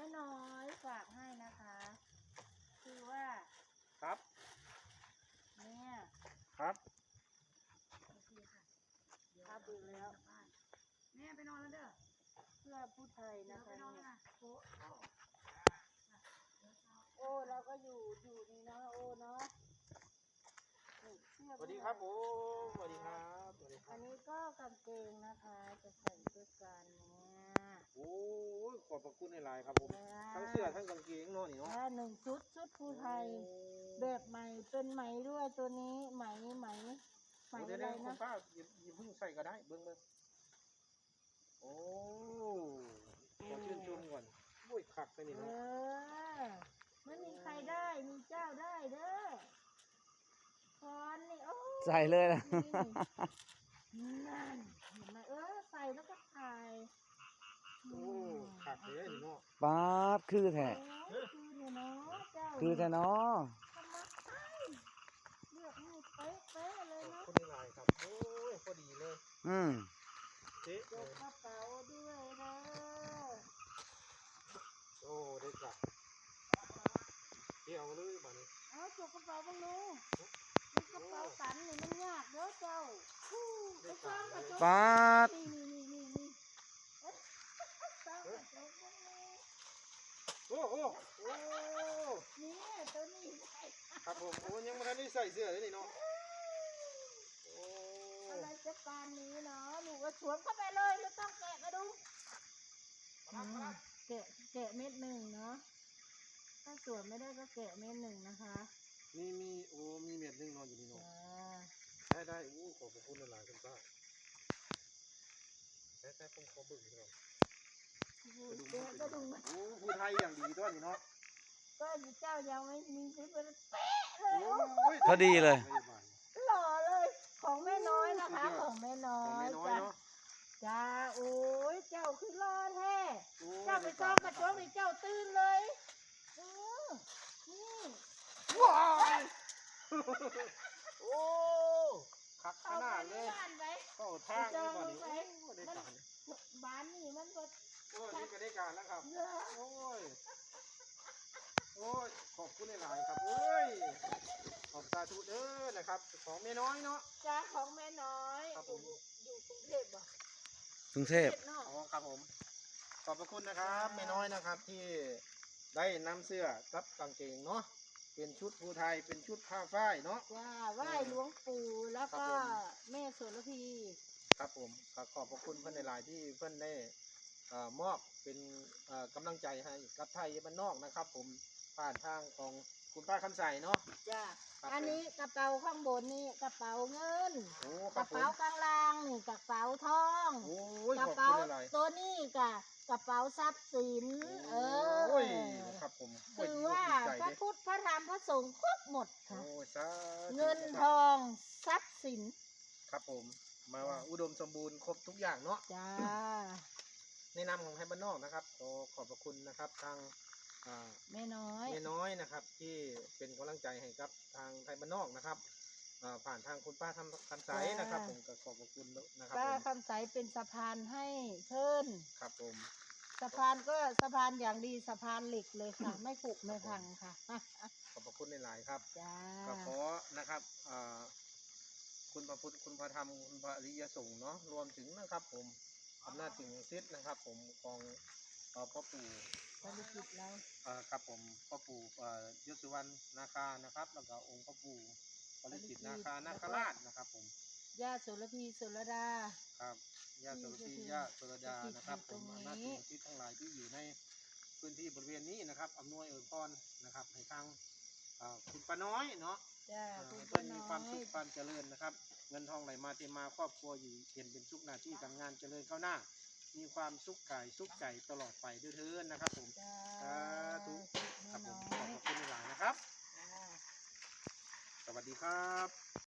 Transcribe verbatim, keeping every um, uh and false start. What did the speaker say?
ม่น้อยฝากให้นะคะคือว่าครับเนี่ยครับโอเคค่ะครับดูแล้วแม่ไปนอนแล้วเด้อเพื่อผู้ไทยนะคะไปนอนเนี่ยนะโอ้โอ้เราก็อยู่อยู่นี่เนาะโอ้เนาะนี่เสื้อสวัสดีครับผมสวัสดีครับสวัสดีคอัรับนนี้ก็กางเกงนะคะจะใส่ด้วยกันเนี่ยโอ้ยขอบพระคุณในไลน์ครับผมทั้งเสื้อทั้งกางเกงเนาะนี่เนาะและหนึ่งชุดชุดผู้ไทยแบบใหม่เป็นไหมด้วยตัวนี้ไหมไหมไหมเดี๋ยวอะไรเดี๋ยวคุณนะป้าอย่าอย่าเพิ่งใส่ก็ได้เบิ้งเบิ้งโอ้ขอชื่นชมก่อนโอ้ยขักไปนี่เอเนาะอไม่มีใครได้มีเจ้าได้เด้อคอนนี่โอ้ใส่เลยนะนี่นั่นเห็นไหมเออใส่แล้วก็ถ่ายโอ้ขักเลยนี่เนาะป๊าบคือแท้โอ้ยคือเนี่ยเนาะเจ้าคือแท้เนาะทำมาใช่เลือกให้เป๊ะเป๊ะๆเลยขอบเนาะคุณในไลน์ครับโอ้ยพอดีเลยอืมเจ๊เลยยกกระเป๋าด้วยเด้อโอ้ได้จับเกี่ยวเลยบ้านี้เอาจกกระเป๋าบ้างลูกมันกระเป๋าตันนี่มันยากเด้อเจ้าฮู้ไปสร้างกระจกป๊าบนี่นี่นี่นี่นี่เอ๊ะสร้างกระจกบ้างเลยโอ้โอ้โอ้นี่ตัวนี้ได้ครับผมโอ้ยังไม่ทันได้ใส่เสื้อเลยนี่เนาะโอ้อะไรจะปานนี้เนาะหนูก็สวมเข้าไปเลยไม่ต้องแกะกระดุมอืมแกะแกะเม็ดหนึ่งเนาะถ้าสวมไม่ได้ก็แกะเม็ดหนึ่งนะคะมีมีโอ้มีเม็ดหนึงนอนอยู่นี่เนาะจ้าได้ได้โอ้ขอบพระคุณหลายๆคุณป้าแต่แต่ผมขอเบิ่งหน่อยแกะกระดุมโอ้ผู้ไทยอย่างดีตัวนี้เนาะก็เจ้ายังไม่มีชุดมันเป๊ะเลยโอ้โอ้ยพอดีเลยไม่บานหล่อเลยของแม่น้อยนะคะ ของแม่น้อของยแม่น้อยจ้าเนาะจ้าโอ้ยเจ้าคือรอแท้โอ้เจ้าไปจ้องกระจกนี่เจ้าตื่นเลยเออนี่ว้ายโอ้คักขเอานาไปดเลที่ยบ้านไปเข้าทางเลยบ้านนี้ไปโอ้ได้การบ้านนี่มันก็โอ้นี่ก็ได้การแล้วครับเยอะโอ้ย โอ้ย ขอบคุณหลายๆครับเอ้ย ขอบสาธุเด้อนะครับ ของแม่น้อยเนาะจ้าของแม่น้อยครับผมอยู่กรุงเทพบ่กรุงเทพเนาะอ๋อครับผม ขอบพระคุณนะครับแม่น้อยนะครับที่ได้นำเสื้อกับกางเกงเนาะ เป็นชุดภูไทย เป็นชุดผ้าฝ้ายเนาะจ้าไหว้หลวงปู่แล้วก็ครับผมแม่โสระพีครับผมขอขอบพระคุณเพื่อนหลายๆที่เพื่อนได้เอ่อมอบเป็นเอ่อกำลังใจให้กับไทยบ้านนอกนะครับ ผมผ่านทางของคุณป้าคำใสเนาะจ้าครับอันนี้กระเป๋าข้างบนนี่กระเป๋าเงินโอ้คกรัระบผมเป๋ากลางล่างนี่กระเป๋าทองโอ้ยกระขอบเป๋าคุณหลายตัวนี้กะกระเป๋าทรัพย์สินๆเอโอ้ยอครับผมคือว่าโอ้ยดีอกดีใจพระเด้พุทธพระธรรมพระสงฆ์ครบหมดค่ะโอ้ยสาธุเงินทองทรัพย์สินครับผมมาว่าอุดมสมบูรณ์ครบทุกอย่างเนาะจ้าในนามของไทยบ้านนอกนะครับขอขอบพระคุณนะครับทางอ่าแม่น้อยแม่น้อยนะครับที่เป็นกำลังใจให้กับทางไทยบ้านนอกนะครับอ่าผ่านทางคุณป้าทำคำใสนะครับ ผมก็ขอบพระคุณนะครับป้าผมคำใสเป็นสะพานให้เพิ่นครับผมสะพานก็สะพานอย่างดีสะพานเหล็กเลยค่ะ ไม่ผุไม่พังค่ะขอบพระคุณหลายๆครับจ้าก็ขอนะครับอ่าคุณพระพุทธคุณพระธรรมคุณพระอริยสงฆ์เนาะรวมถึงนะครับ ผมอำนาจถึงศิษย์นะครับ ผมของเอ่อพ่อปู่ภารกิจเราเอ่อครับผมพ่อปู่เอ่อยศสุวรรณนาคานะครับ แล้วก็องค์พ่อปู่ปริจิตนาคานาคราชนะครับ ผมย่าโสระพีโสระดาครับญาติโสรพีญาติโสรดานะครับผมอำนาจถึงศิษย์ทั้งหลายที่อยู่ในพื้นที่บริเวณนี้นะครับอำนวยอวยพรนะครับให้ทางเอ่อคุณป้าน้อยเนาะจ้าเอ่อคุณให้ป้าเพื่อนน้มีอความสุยขความเจริญนะครับ เงินทองไหลมาเทมาครอบครัวอยู่เห็นเป็นสุขหน้าที่การงานเจริญก้าวหน้า มีความสุขกายสุขใจตลอดไปด้วยเถินนะครับ ผมจ้าสาธุครับผแม่มน้ขอบอยพระคุณหลายนะครับจ้าสวัสดีครับ